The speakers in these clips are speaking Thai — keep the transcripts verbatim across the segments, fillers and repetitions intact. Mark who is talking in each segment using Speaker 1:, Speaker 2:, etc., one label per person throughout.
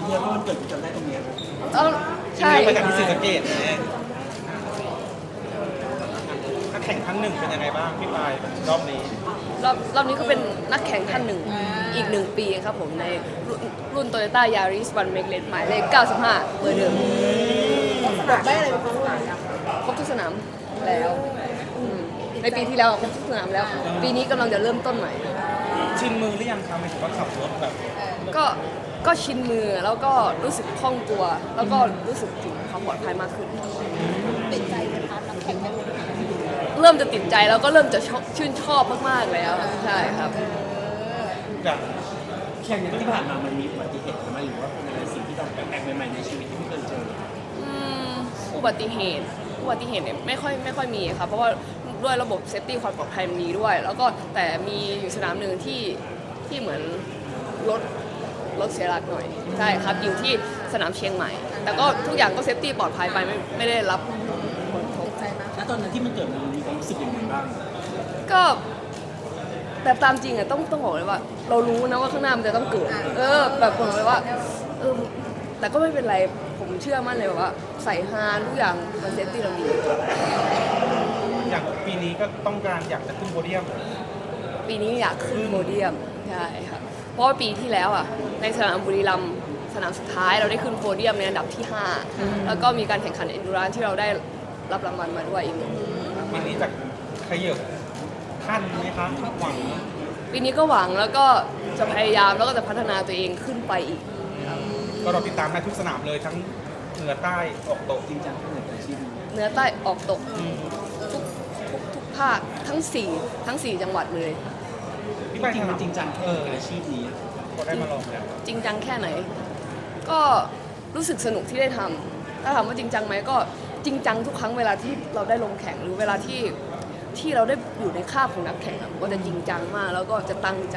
Speaker 1: ที่แล้วก็มันเกิดจำได้ตรงเนี้ย
Speaker 2: เออใช่
Speaker 3: ไปกับที่ศรีสะเกษเนี่ยนักแข่งท่านหนึ่งเป็นยังไงบ้างพี่ปายรอบนี้
Speaker 2: รอบรอบนี้ก็เป็นนักแข่งท่านหนึ่งอีกหนึ่งปีครับผมในรุ่นรุ่นโตโยต้ายาริสวันเมกเลนหมายเลขเก้าสิบห้าเบอร์เดิม
Speaker 4: แบบได้อะไรบ้าง
Speaker 2: ครบทุกสนามแล้วอืมในปีที่แล้วครบทุกสนามแล้ว ปีนี้กำลังจะเริ่มต้นใหม่
Speaker 3: ชินมือหรือยังครับหมายถึงว่าขับรถแบบ
Speaker 2: ก็ก็ชินมือแล้วก็รู้สึกคล่องตัว แล้วก็รู้สึกถึงความปลอดภัยมากขึ้น
Speaker 4: ติดใจในพาร์ทนักแข่งได้เลย
Speaker 2: เริ่มจะติดใจแล้วก็เริ่มจะชอบชื่นชอบมากๆแล้วใช่ครับ
Speaker 3: แบบ
Speaker 1: แข่งที่ผ่านมามันมีอุบัติเหตุไหมหรือว่าเป็นอะไรสิ่งที่เราแปลกๆใหม่ๆในชีวิตที่ไม่เคยเจอ
Speaker 2: อืมอุบัติเหตุอุบัติเหตุเนี่ยไม่ค่อยไม่ค่อยมีครับเพราะว่าด้วยระบบเซฟตี้ความปลอดภัยมันดีด้วย แล้วก็แต่มีอยู่สนามหนึ่งที่ที่เหมือนรถรถเสียหลักหน่อยใช่ครับอยู่ที่สนามเชียงใหม่ แต่ก็ทุกอย่างก็เซฟตี้ปลอดภัยไปไม่ไม่ได้รับผลกระทบ
Speaker 4: ติดใจมาก
Speaker 1: แล้วตอนนั้นที่มันเกิดมันมีความรู้สึกยังไงบ้าง
Speaker 2: ก็แต่ตามจริงอะต้องต้องบอกเลยว่า เรารู้นะว่าข้างหน้ามันจะต้องเกิด เออแบบบอกเลยว่าเออแต่ก็ไม่เป็นไรผมเชื่อมั่นเลยว่าใส่ฮาร์ดทุกอย่างมันเซฟตี้เราดี
Speaker 3: อย่างปีนี้ก็ต้องการอยากจะขึ้นโพเดียม
Speaker 2: ปีนี้อยากขึ้นโพเดียมใช่ครับเพราะว่าปีที่แล้วอ่ะในสนามบุรีรัมย์สนามสุดท้ายเราได้ขึ้นโพเดียมในอันดับที่ห้าแล้วก็มีการแข่งขันเอนดูรานที่เราได้รับรางวัลมาด้วยอีกหนึ่ง
Speaker 3: ปีนี้จะขยับขั้นไหมคะหวัง
Speaker 2: ปีนี้ก็หวังแล้วก็จะพยายามแล้วก็จะพัฒนาตัวเองขึ้นไปอีก
Speaker 3: ก็เราติดตามได้ทุกสนามเลยทั้งเหนือใต้ออกตก
Speaker 1: จริงจังที่เหนืออาชีพ
Speaker 2: เหนือใต้ออกตกทุกทุกทุกภาคทั้งสี่ทั้งสี่จังหวัดเลย
Speaker 3: พี่
Speaker 1: จ
Speaker 3: ปาย
Speaker 1: ริงๆมัน
Speaker 3: ทำ
Speaker 1: จริงจังแค่ไหนกับอาชีพนี้
Speaker 3: พอได้มาลองแล้ว
Speaker 2: จริงจังแค่ไหน ก็รู้สึกสนุกที่ได้ทำถ้าถามว่าจริงจังไหมก็จริงจังทุกครั้งเวลาที่เราได้ลงแข่งหรือเวลาที่ที่เราได้อยู่ในคาบของนักแข่งอะก็จะจริงจังมากแล้วก็จะตั้งใจ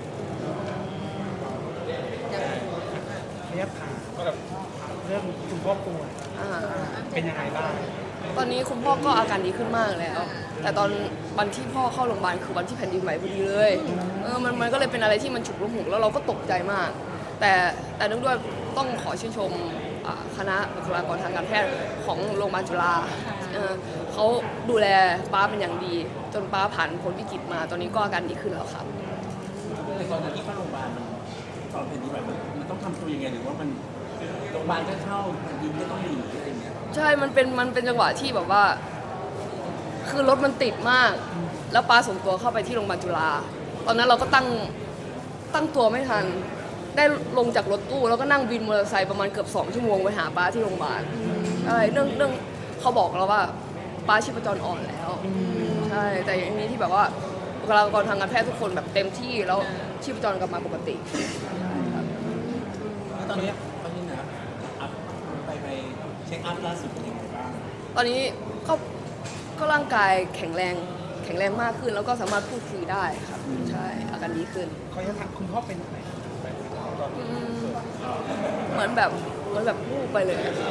Speaker 3: ระยะทางก็แบบเรื่องคุณพ่อป่วย
Speaker 2: อ่า
Speaker 3: เป็นยังไงบ้าง
Speaker 2: ตอนนี้คุณพ่อก็อาการดีขึ้นมากแล้ว แต่ตอนวันที่พ่อเข้าโรงพยาบาลคือวันที่แผ่นดินไหวพอดีเลยเออมันมันก็เลยเป็นอะไรที่มันฉุกละหุกแล้วเราก็ตกใจมาก แต่แต่เนื่องด้วยต้องขอชื่นชมอ่าคณะบุคลากรทางการแพทย์ของโรงพยาบาลจุฬาเออเขาดูแลป้าเป็นอย่างดี จนป้าผ่านพ้นวิกฤตมา ตอนนี้ก็อาการดีขึ้นแล้วครับ
Speaker 1: ในตอนนั้นที่เข้าโรงพยาบาลมันตอนเป็นที่แบบมันต้องทำตัวยังไงหรือว่ามันโรงพยาบาลก็เข้ายิงก็ต้องหนีอะไรอย่างเงี้ย
Speaker 2: ใช่ มันเป็น มันเป็นจังหวะที่แบบว่า คือรถมันติดมาก แล้วป้าส่งตัวเข้าไปที่โรงพยาบาลจุฬา ตอนนั้นเราก็ตั้ง ตั้งตัวไม่ทัน ได้ลงจากรถตู้แล้วก็นั่งวินมอเตอร์ไซค์ประมาณเกือบสองชั่วโมงไปหาป้าที่โรงพยาบาลอะไรเรื่องเรื่องเขาบอกเราว่าป้าชีพจรอ่อนแล้ว ใช่ แต่อย่างนี้ที่แบบว่าบุคลากรทางการแพทย์ทุกคนแบบเต็มที่แล้วชีพจรกลับมาปกติ
Speaker 1: แล้วตอนเนี้ยตอนนี้นะอัพไปไปเช็คอัพล่าสุดเป็นยังไงบ้าง
Speaker 2: ตอนนี้ก็ก็ร่างกายแข็งแรงแข็งแรงมากขึ้น แล้วก็สามารถพูดคุยได้ครับใช่อาการดีขึ้น
Speaker 3: เขาจะถามคุณพ่อเป็นยังไงตอน
Speaker 2: อืมเหมือนแบบเหมือนแบบพูดไปเลยอะครับ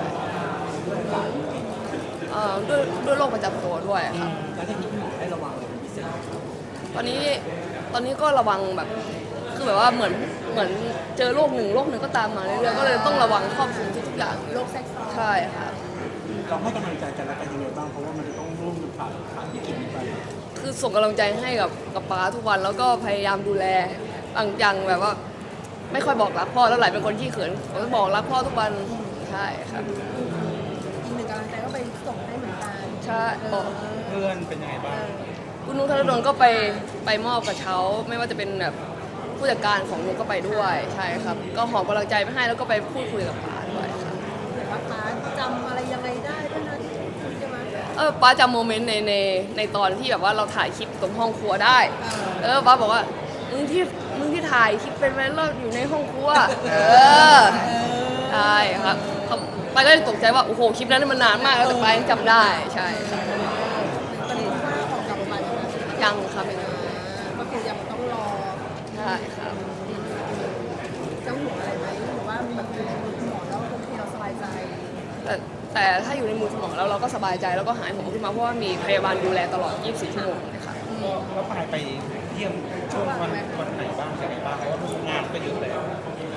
Speaker 2: เอ่อด้วยด้วยโรคประจำตัวด้วยครับ
Speaker 1: แล้วทีนี้พี่หมอให้ระวังอะไรเป็นพิเศษ
Speaker 2: ตอนนี้ตอนนี้ก็ระวังแบบคือแบบว่าเหมือนเหมือนเจอโรคหนึ่งโรคหนึ่งก็ตามมาเรื่อยๆก็เลยต้องระวังครอบคลุมทุกๆอย่าง
Speaker 4: โรคแทรกซ้อน
Speaker 2: ใช่ครับ
Speaker 1: เราให้กำลังใจกันและกันยังไงบ้างเพราะว่ามันจะต้องร่วมกันผ่านผ่านวิกฤตนี้ไป
Speaker 2: คือส่งกำลังใจให้กับกับป้าทุกวันแล้วก็พยายามดูแลบางอย่างแบบว่า ไม่ค่อยบอกรักพ่อแล้วหลายเป็นคนที่เขินผมจะบอกรักพ่อทุกวันใช่ครับ
Speaker 4: อีกหนึ่งกำลังใจก็ไปส่งให้เหมือนกัน
Speaker 2: ใช่บอก
Speaker 3: เพื่อนเป็นยังไงบ้าง
Speaker 2: คุณนุ้งธนดลก็ไปไปมอบกระเช้า ไม่ว่าจะเป็นแบบผู้จัดการของนุ้งก็ไปด้วยใช่ครับ ก็หอบกำลังใจไปให้แล้วก็ไปพูดคุยกับป้าด้วยครับ
Speaker 4: เห็นว่าพาร์ทจำอะไรยังไงได้ด้วยนะใช่ไหม
Speaker 2: เออป้าจำโมเมนต์ในในในตอนที่แบบว่าเราถ่ายคลิปตรงห้องครัวได้ เออป้าบอกว่ามึงที่มึงที่ถ่ายคลิปเป็นไหมเราอยู่ในห้องครัวเออใช่ครับเขาป้าก็เลยตกใจว่าโอ้โหคลิปนั้นมันนานมากแล้วแต่ป้ายังจำได้ใช่ครับ
Speaker 4: ตอนนี้ว่าออกกลับมาแล้วนะ
Speaker 2: ยังครับยัง
Speaker 4: ก็คือยังต้องรอ
Speaker 2: ใช่ครับ
Speaker 4: จะห่วงอะไรไหมหรือว่าแบบอยู่ในมือคุณหมอแล้วโอเคเราสบายใจ
Speaker 2: แต่แต่ถ้าอยู่ในมือคุณหมอแล้วเราก็สบายใจแล้วก็หายห่วงขึ้นมาเพราะว่ามีพยาบาลดูแลตลอด ยี่สิบสี่ ชั่วโมงเลยค่ะ
Speaker 3: แล้วปายไปเยี่ยมช่วงวันวันไหนบ้างยังไงบ้างเพราะว่างานก็เยอะแล้ว
Speaker 2: คือ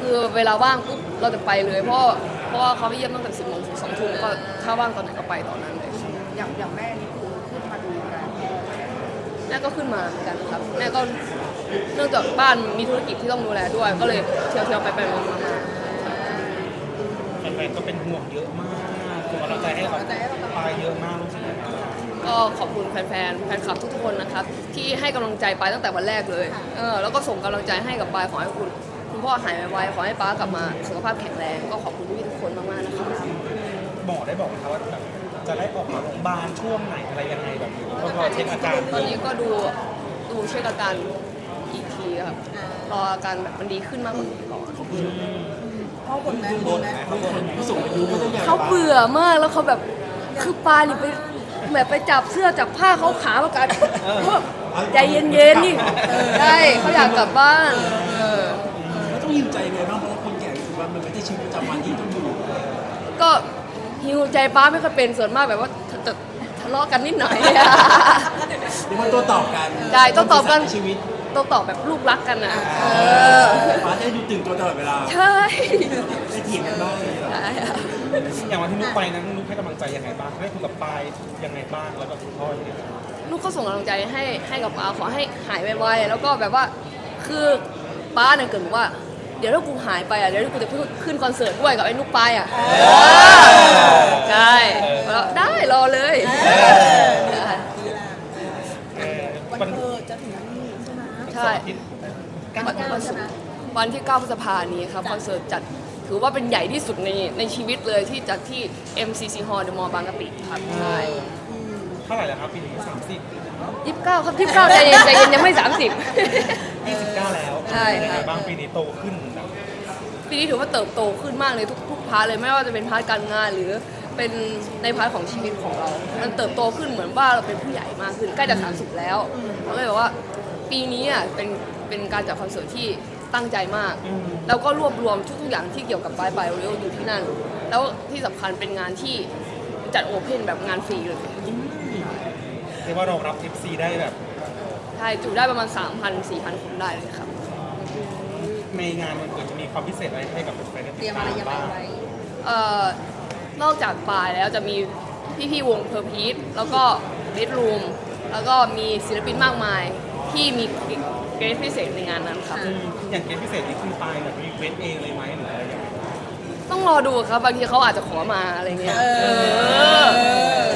Speaker 2: คือเวลาว่างปุ๊บเราจะไปเลย เพราะเพราะว่าเขาไปเยี่ยมตั้งแต่สิบโมงถึงสองทุ่มก็ถ้าว่างตอนไหนก็ไปตอนนั้นเลย
Speaker 4: อย่างอย่างแม่นี่คือขึ้นมาดูกัน
Speaker 2: แม่ก็ขึ้นมาเหมือนกันครับแม่ก็เนื่องจากบ้านมีธุรกิจที่ต้องดูแลด้วย ก็เลยเที่ยวเที่ยวๆไปไปมามา
Speaker 3: แฟนๆก็เป็นห่วงเยอะมากส่งกำลังใจให้เราไปเยอะมากรู้สึกยังไงบ้าง
Speaker 2: ก็ขอบคุณแฟนๆแฟนคลับทุกๆคนนะครับที่ให้กำลังใจไปตั้งแต่วันแรกเลยเออแล้วก็ส่งกำลังใจให้กับปายขอให้คุณคุณพ่อหายไวๆขอให้ป้ากลับมาสุขภาพแข็งแรงก็ขอบคุณพี่ๆทุกคนมากๆนะครับ
Speaker 3: หมอได้บอกไหมคะว่าแบบจะได้ออกมาโรงพยาบาลช่วงไหนอะไรยังไงแบบนี้ก็รอเช็คอาการ
Speaker 2: ตอนนี้ก็ดูดูเช็คอาการอีกทีครับรออาการแบบมันดีขึ้นมากกว่านี้ก่อน
Speaker 4: พ่อคนแม่คนแม่
Speaker 1: บางคนผู้สูงอายุก็ต้องอยาก
Speaker 2: เขาเบื่อมากแล้วเขาแบบคือปลานี่ไปแบบไปจับเสื้อจับผ้าเขาขาประกันใจเย็นๆนี่ใช่เขาอยากกลับบ้านเออ
Speaker 1: แล้วต้องยินใจไงบ้างเพราะว่าคนแก่รู้สึกว่ามันไม่ได้ชีวิตประจำวันที่ต้องอยู่
Speaker 2: ก็หิวใจป้าไม่ค่อยเป็นส่วนมากแบบว่าจะทะเลาะกันนิดหน่อย
Speaker 1: เรียกว่าตัวตอบกัน
Speaker 2: ใช่ต้องตอบกัน
Speaker 1: ในชีวิต
Speaker 2: ต้องตอบแบบลูกรักกันนะเออ
Speaker 1: ฟ้าได้ดูตื่นตัวตลอดเวลา
Speaker 2: ใช่
Speaker 1: ได้เถียงกันบ้างเลยเหรอ
Speaker 2: ใช่ค่ะ
Speaker 3: อย่างวันที่นุ๊กไปนั้นนุ๊กให้กำลังใจยังไงบ้างได้คุยกับปายยังไงบ้างแล้วกับคุณพ่อยังไงบ้าง
Speaker 2: ลูกก็ส่งกำลังใจให้ให้กับป้าขอให้หายไวๆแล้วก็แบบว่าคือป้าเนี่ยเกิดบอกว่า เดี๋ยวถ้ากูหายไปอ่ะเดี๋ยวกูจะขึ้นคอนเสิร์ตด้วยกับไอ้นุ๊กปายอ่ะใช่แล้วได้รอเลยได้
Speaker 3: เออ
Speaker 4: วัน
Speaker 3: วัน
Speaker 4: เธอจะถึงนั้นนี่ใช่ไหม
Speaker 2: ใช่ วันวันศุกร์วันที่เก้าพฤษภานี้ครับคอนเสิร์ตจัดถือว่าเป็นใหญ่ที่สุดในในชีวิตเลยที่จัดที่ เอ็ม ซี ซี Hall เดอะมอลล์บางกะปิครับใช่
Speaker 3: เท่าไหร่แล้วครับปีนี้สามสิบ
Speaker 2: ยี่สิบเก้าครับยี่สิบเก้าใจเย็นใจเย็นยังไม่สามสิบ
Speaker 3: ยี่สิบเก้าแล้ว
Speaker 2: ใช่ครับ
Speaker 3: ยังไงบ้างปีนี้โตขึ้นแบบ
Speaker 2: ปีนี้ถือว่าเติบโตขึ้นมากเลยทุกทุกพาร์ทเลยไม่ว่าจะเป็นพาร์ทการงานหรือเป็นในพาร์ทของชีวิตของเรา มันเติบโตขึ้นเหมือนว่าเราเป็นผู้ใหญ่มากขึ้นใกล้จะสามสิบแล้วเราก็เลยบอกว่าปีนี้อ่ะเป็นเป็นการจัดคอนเสิร์ตที่ตั้งใจมาก แล้วก็รวบรวมทุกๆอย่างที่เกี่ยวกับปลายปลายโอริโออยู่ที่นั่น แล้วที่สำคัญเป็นงานที่จัดโอเพนแบบงานฟรีเลย
Speaker 3: เรียกว่ารองรับ เอฟ ซี ได้แบบ
Speaker 2: ใช่จุได้ประมาณ สามพัน สี่พัน คนได้เลยครับ
Speaker 3: ในงานมันเกิดจะมีความพิเศษอะไรให้กับแฟนๆได้
Speaker 4: เต
Speaker 3: ติ
Speaker 4: รี
Speaker 3: ด
Speaker 4: ยม
Speaker 3: ตา
Speaker 4: อะไร
Speaker 3: ม
Speaker 4: ยังไง
Speaker 3: บ้าง
Speaker 4: ไว้
Speaker 2: เอ่อนอกจากปลายแล้วจะมีพี่ๆวงเพอร์พีทแล้วก็เบดรูมแล้วก็มีศิลปินมากมายที่มีเกรดพิเศษในงานนั้นครับ
Speaker 3: อืมอย่างเกมพิเศษนี่คือปายแบบรีเควสเองเลยไหมหรืออะไรอย่างเงี้ย
Speaker 2: ต้องรอดูครับบางทีเขาอาจจะขอมาอะไรเงี้ย
Speaker 4: เออ
Speaker 2: เออ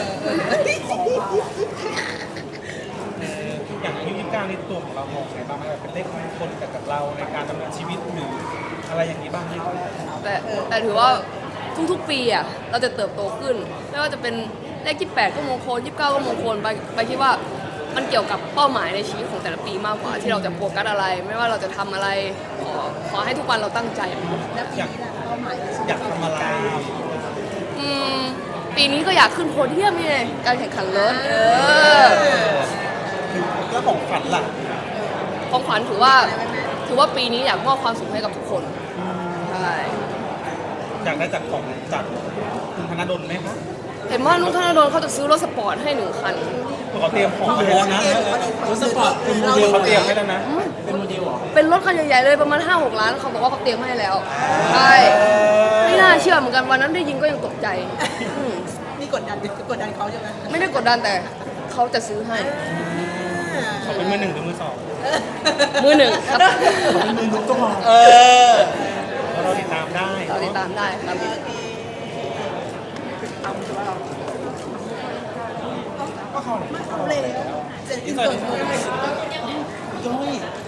Speaker 3: เอออย่างอายุยี่สิบเก้านี่ตัวของเรามองไงบ้างไหมแบบเป็นเลขมงคลกับกับเราในการดำเนินชีวิตหรืออะไรอย่างนี้บ้างไหม
Speaker 2: แต่แต่ถือว่าทุกๆปีอ่ะเราจะเติบโตขึ้น ไม่ว่าจะเป็นเลขยี่สิบแปดก็มงคลยี่สิบเก้าก็มงคลไปไปคิดว่ามันเกี่ยวกับเป้าหมายในชีวิตของแต่ละปีมากกว่าที่เราจะโฟกัสอะไร ไม่ว่าเราจะทำอะไรขอขอให้ทุกวันเราตั้งใจ
Speaker 4: แล้วปีนี้ล่ะเป้าหมายในชีวิต
Speaker 3: อยากทำอะไร
Speaker 2: อืมปีนี้ก็อยากขึ้นโพเดียมไงการแข่งขันรถเออ
Speaker 3: แล้วของฝันล่ะ
Speaker 2: ของขวัญถือว่าถือว่าปีนี้อยากมอบความสุขให้กับทุกคนใช่
Speaker 3: อยากได้จากของจากคุณธนดลไหมคะ
Speaker 2: เห็นว่านุ้งธนดลเขาจะซื้อรถสปอร์ตให้หนึ่งคัน
Speaker 3: เขาเตรียมของไว้แล้วนะ
Speaker 1: รถสปอร์ตเป็นโมเดล
Speaker 3: เขาเตรียมให้แล้วนะ
Speaker 1: เป็นโมเดลเหรอ
Speaker 2: เป็นรถคันใหญ่ๆเลยประมาณ ห้าหก ล้านเขาบอกว่าเขาเตรียมให้แล้วใช่ไม่น่าเชื่อเหมือนกันวันนั้นได้ยินก็ยังตกใจอืม
Speaker 4: นี่กดดันกดดันเขาใช่ไหม
Speaker 2: ไม่ได้กดดันแต่เขาจะซื้อให้
Speaker 3: เขาเป็นมือหนึ่งหรือมือสอง
Speaker 2: มือหนึ่งครับ
Speaker 1: เป็นมือนุ๊กก็พอ
Speaker 3: เออเราติดตามได้
Speaker 2: เราติดตามได้ครับ
Speaker 3: ก็เขาเนี่ย
Speaker 4: เอาเลยเสร็จอินเตอร์
Speaker 1: ย่อย